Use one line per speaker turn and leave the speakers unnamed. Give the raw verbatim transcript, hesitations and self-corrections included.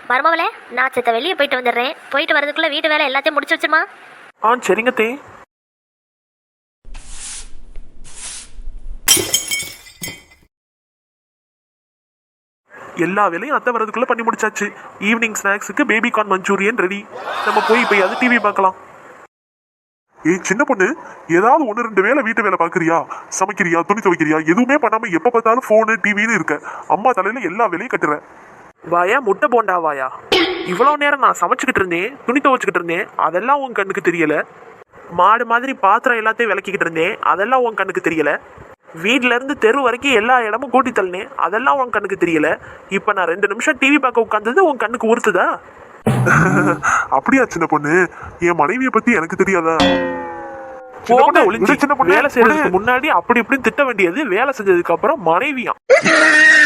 மருமவளே, நான் சித்த வெளியே போயிட்டு வந்துடுறேன். போயிட்டு வரதுக்குள்ள வீட்டு வேலை எல்லாத்தையும் முடிச்சு வச்சிருமா.
ஆ சரிங்க தே. எல்லா வேலையும் அத்தை வரதுக்குள்ள பண்ணி முடிச்சாச்சு. ஈவினிங் ஸ்நாக்ஸுக்கு பேபி கார்ன் மஞ்சூரியன் ரெடி. நம்ம போய் இப்போ அது டிவி பார்க்கலாம்.
ஏய் சின்ன பொண்ணு, ஏதாவது ஒன்று ரெண்டு வேலை வீட்டு வேலை பார்க்குறியா? சமைக்கிறியா, துணி துவைக்கிறியா? எதுவுமே பண்ணாம எப்போ பார்த்தாலும் ஃபோனு டிவின்னு இருக்க. அம்மா தலையில எல்லா வேலையும் கட்டுறேன்.
வாயா முட்டை போண்டா வாயா. இவ்வளோ நேரம் நான் சமைச்சுக்கிட்டு இருந்தேன், துணி துவைச்சிக்கிட்டு இருந்தேன், அதெல்லாம் உன் கண்ணுக்கு தெரியல. மாடு மாதிரி பாத்திரம் எல்லாத்தையும் விளக்கிக்கிட்டு இருந்தேன், அதெல்லாம் உன் கண்ணுக்கு தெரியல. வீட்டில இருந்து தெரு வரைக்கும் எல்லா இடமும் கூட்டி தள்ளினேன், அதெல்லாம் உன் கண்ணுக்கு தெரியல. இப்போ நான் ரெண்டு நிமிஷம் டிவி பார்க்க உட்காந்தது உன் கண்ணுக்கு உறுத்துதா?
அப்படியா சின்ன பொண்ணு? என் மனைவியை பத்தி எனக்கு தெரியாதா?
போங்க ஒளிஞ்சு. வேலை செய்யறதுக்கு முன்னாடி அப்படி இப்படின்னு திட்ட வேண்டியது, வேலை செஞ்சதுக்கு அப்புறம் மனைவியா?